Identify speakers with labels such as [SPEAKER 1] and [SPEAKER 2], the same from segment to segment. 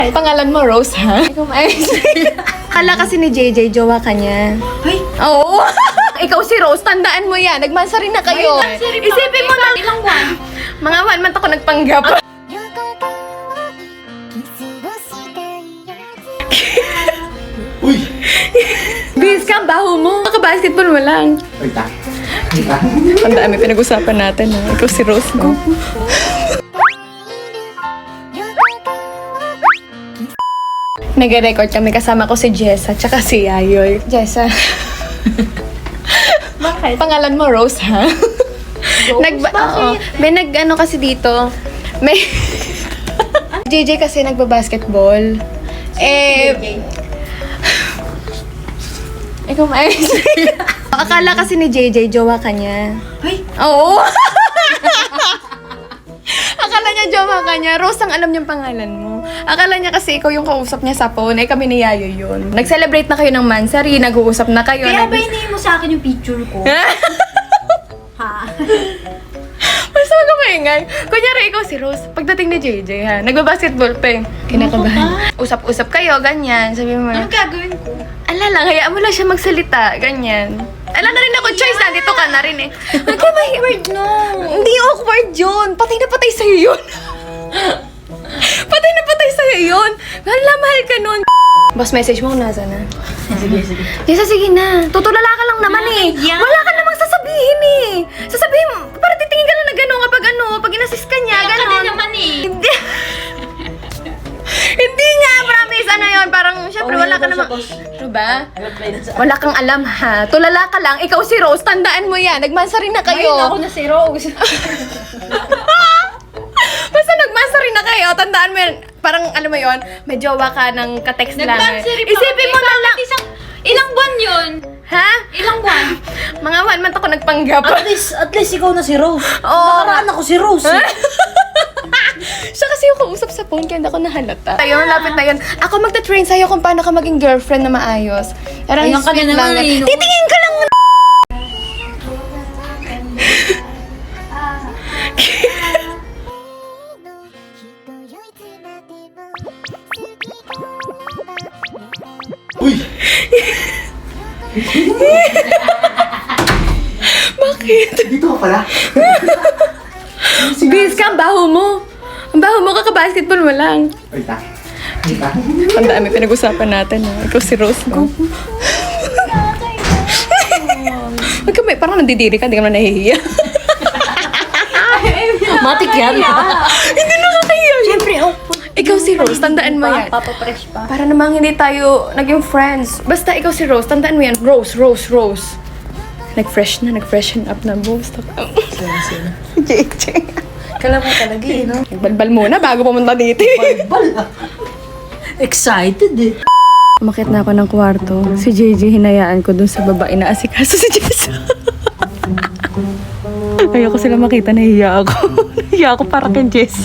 [SPEAKER 1] Pangalan mo, Rose, ha? Kala kasi ni JJ, jowa ka niya.
[SPEAKER 2] Ay!
[SPEAKER 1] Oo! Ikaw si Rose, tandaan mo yan. Nagmansa rin na kayo. Isipin mo na.
[SPEAKER 2] Ilang buwan?
[SPEAKER 1] Mga 1 month ako nagpanggap.
[SPEAKER 3] Uy!
[SPEAKER 1] Bis ka, baho mo. Maka-basketball mo lang.
[SPEAKER 3] Ay, ta.
[SPEAKER 1] Ang dami pinag-usapan natin, ha? Ikaw si Rose, no? Nag-record kami, kasama ko si Jessa, tsaka si Yayoy. Jessa.
[SPEAKER 2] Bakit?
[SPEAKER 1] Pangalan mo, Rose, ha? Oo. May nag-ano kasi dito. May... JJ kasi nagba-basketball. Ikaw Akala kasi ni JJ, jowa ka niya.
[SPEAKER 2] Ay!
[SPEAKER 1] Oo! Akala niya jowa ka niya. Rose, ang alam niyang pangalan mo. Akala niya kasi ikaw yung kausap niya sa phone. Eh, kami ni Yayo yun. Nag-celebrate na kayo ng mansari. Nag-uusap na kayo.
[SPEAKER 2] Kaya ba hinihin mo sa akin yung picture ko? Ha?
[SPEAKER 1] Basta wag ka maingay. Kunyari, ikaw si Rose. Pagdating ni JJ, ha? Nagbabasketball pa eh. Kinakabahan. Usap-usap kayo, ganyan. Sabi mo,
[SPEAKER 2] Anong gagawin ko?
[SPEAKER 1] ala lang, hayaan mo lang siya magsalita. Ganyan. Ala na rin ako, choice. Nandito ka na rin eh. Huwag ka
[SPEAKER 2] Awkward, no.
[SPEAKER 1] Hindi awkward yun. Patay na patay sa'yo yun. Patay na patay sa'yo yun. Hala, mahal ka nun. Boss, message mo kung nasa na.
[SPEAKER 2] Sige.
[SPEAKER 1] Lisa, sige na. Tutulala ka lang naman eh.
[SPEAKER 2] Yeah.
[SPEAKER 1] Wala ka namang sasabihin eh. Sasabihin mo, para titingin ka lang na gano'n pag inassist ka niya,
[SPEAKER 2] Kaya ka
[SPEAKER 1] gano'n.
[SPEAKER 2] din naman eh.
[SPEAKER 1] Hindi. Hindi nga, promise. Ano yun? Parang, syempre, wala ka namang... Ano ba? Wala kang alam, ha? Tulala ka lang. Ikaw si Rose, tandaan mo yan. Nagmansa rin na kayo.
[SPEAKER 2] Ay, ako na si Rose.
[SPEAKER 1] Basta nagmansa rin na kayo, tandaan mo yan. Parang, alam mo yun, may jowa ka ng ka-text lang.
[SPEAKER 2] Nag-bansary pa
[SPEAKER 1] Isipin mo na lang.
[SPEAKER 2] Ilang buwan yun?
[SPEAKER 1] Ha?
[SPEAKER 2] Ilang buwan?
[SPEAKER 1] Mga 1 month ako nagpanggap.
[SPEAKER 4] At least ikaw na si Rose.
[SPEAKER 1] Oo.
[SPEAKER 4] Nakaraan ako si Rose.
[SPEAKER 1] Siya kasi yung kausap sa phone, kaya hindi ako nahalata. Ayun, lapit na yun. Ako magta-train sa'yo kung paano ka maging girlfriend na maayos. Parang
[SPEAKER 2] Ayan ka
[SPEAKER 1] sweet
[SPEAKER 2] na naman
[SPEAKER 1] lang.
[SPEAKER 2] eh, no?
[SPEAKER 1] Titingin ka lang.
[SPEAKER 3] Uy!
[SPEAKER 1] Bakit?
[SPEAKER 3] Dito ka pala.
[SPEAKER 1] Bis ka, baho mo. Ang baho mo, kaka-basketball mo lang.
[SPEAKER 3] Ay, ta. Ay, ta.
[SPEAKER 1] Ang dami pinag-usapan natin, ha? Ikaw si Rose, no? Huwag ka, parang nandidiri ka, hindi ka naman nahihiya.
[SPEAKER 4] Matik yan.
[SPEAKER 1] Hindi nakakahiya.
[SPEAKER 4] Siyempre, awkward.
[SPEAKER 1] Ikaw si Rose, tandaan mo yan.
[SPEAKER 4] Papapresh pa.
[SPEAKER 1] Para namang hindi tayo naging friends. Basta ikaw si Rose, tandaan mo yan. Rose. Nag-freshen up na, boss. JJ.
[SPEAKER 4] Kala mo talaga eh, no?
[SPEAKER 1] Nagbalbal muna bago pumunta dito.
[SPEAKER 4] Bal. Excited eh.
[SPEAKER 1] Umakit na ako ng kwarto. Si JJ hinayaan ko dun sa baba. Inaasikaso si Jess. Ayoko sila makita, nahiya ako. Nahiya ako para kay Jess.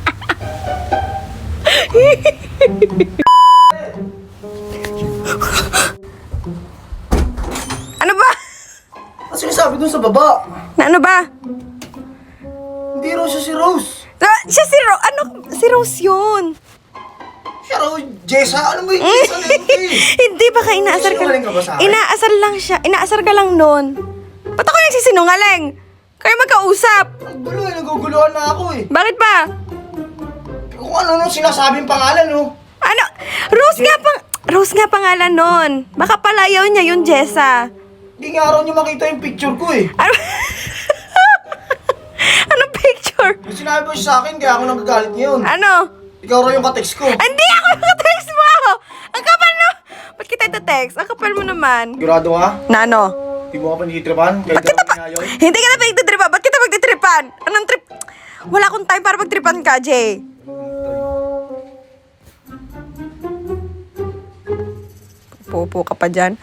[SPEAKER 1] Ano ba?
[SPEAKER 3] Ano sinasabi dun sa baba?
[SPEAKER 1] Na ano ba?
[SPEAKER 3] Hindi raw siya si Rose.
[SPEAKER 1] Siya si Rose. Ano? Si Rose yun.
[SPEAKER 3] Siya raw, Jessa. Ano mo yung Jessa na yun eh?
[SPEAKER 1] Hindi, baka inaasar ka
[SPEAKER 3] Sinungaling ka ba sa akin?
[SPEAKER 1] Inaasar lang siya. Inaasar ka lang nun. Ba't ako nagsisinungaling? Kayo magkausap.
[SPEAKER 3] Ang gulo eh. Naguguluhan na ako eh.
[SPEAKER 1] Bakit ba?
[SPEAKER 3] Kung ano nung sinasabing pangalan oh.
[SPEAKER 1] Ano? Rose nga pangalan nun. Baka palayaw niya yung Jessa.
[SPEAKER 3] Hindi nga raw niya makita yung picture ko eh.
[SPEAKER 1] Ano? Anong picture?
[SPEAKER 3] Yung sinabi mo siya sa akin, kaya ako nagagalit ngayon.
[SPEAKER 1] Ano?
[SPEAKER 3] Ikaw raw yung katext ko.
[SPEAKER 1] Hindi ako naka-text mo! Ang kapal na! Ba't kita ito-text? Ang kapal mo naman.
[SPEAKER 3] Sigurado ka?
[SPEAKER 1] Na ano?
[SPEAKER 3] Hindi mo ka panitripan? Kahit
[SPEAKER 1] Ba't kita
[SPEAKER 3] ka ngayon?
[SPEAKER 1] Hindi ka na pagtitripan. Ba't kita pagtitripan? Anong trip? Wala akong time para magtripan ka, Jay. Pupo ka pa dyan.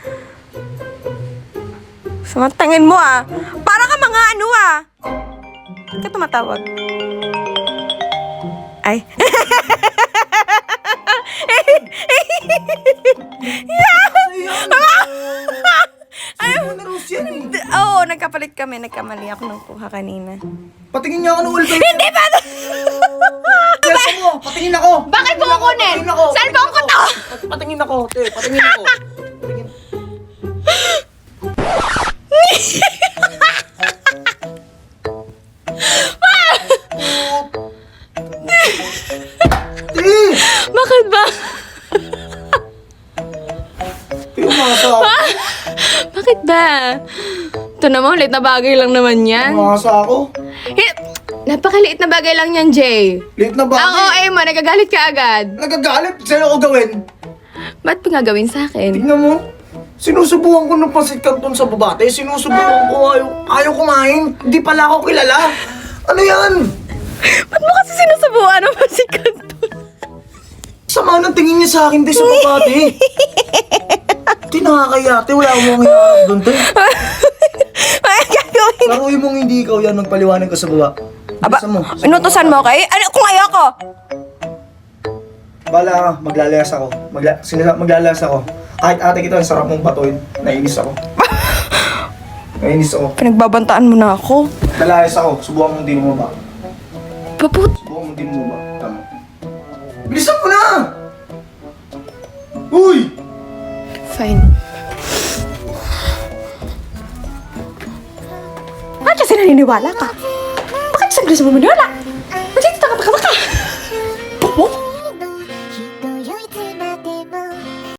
[SPEAKER 1] Sumantangin mo ah. Para ka mga ano ah. Ba't ka tumatawag? Ay.
[SPEAKER 3] Ano na Rose yan eh?
[SPEAKER 1] Oo, nagkapalit kami. Nagkamali ako ng kuha kanina.
[SPEAKER 3] Patingin niya ako ng ulto.
[SPEAKER 1] Hindi ba?
[SPEAKER 3] Yes mo! Patingin ako!
[SPEAKER 1] Bakit mo kukunin?
[SPEAKER 3] Patingin ako!
[SPEAKER 1] Cellphone ko to!
[SPEAKER 3] Patingin ako, te. Patingin ako. Patingin. Te!
[SPEAKER 1] Bakit ba?
[SPEAKER 3] Te, umasa ako.
[SPEAKER 1] Bakit ba? Ito naman, ulit na bagay lang naman yan.
[SPEAKER 3] Umasa ako.
[SPEAKER 1] Napakaliit na bagay lang yan, Jay.
[SPEAKER 3] Late na ba?
[SPEAKER 1] Ang OA mo, nagagalit ka agad.
[SPEAKER 3] Nagagalit. Sa'yo ako gawin.
[SPEAKER 1] Ba't pa nga gawin sa akin?
[SPEAKER 3] Tingnan mo. Sinusubukan ko ng pasit canton sa babate. Sinusubukan ko. Ayaw kumain. Hindi pala ako kilala. Ano yan?
[SPEAKER 1] Ba't mo kasi sinusubuan ang masikat doon?
[SPEAKER 3] Sama ng tingin niya sa akin, te, sa babate. Te, nakakaya, te. Wala akong hiharap doon, te.
[SPEAKER 1] Ay, gagawin.
[SPEAKER 3] Laruin mong hindi ikaw yan. Magpaliwanag ka sa baba.
[SPEAKER 1] Aba,
[SPEAKER 3] Bilisan mo.
[SPEAKER 1] inutusan mo, okay? Ano kung ayoko?
[SPEAKER 3] Bala ka, maglalayas ako. Maglalayas ako. Kahit ate kita, ang sarap mong batuin. Nainis ako. Nainis ako.
[SPEAKER 1] Pinagbabantaan mo na ako.
[SPEAKER 3] Lalayas ako. Subukan mong di mo ba?
[SPEAKER 1] Paput.
[SPEAKER 3] Subukan mong di mo ba? Tama. Bilisan mo na! Uy!
[SPEAKER 1] Fine. Bakit kasi naniniwala ka? Bakit saglit mo maniwala?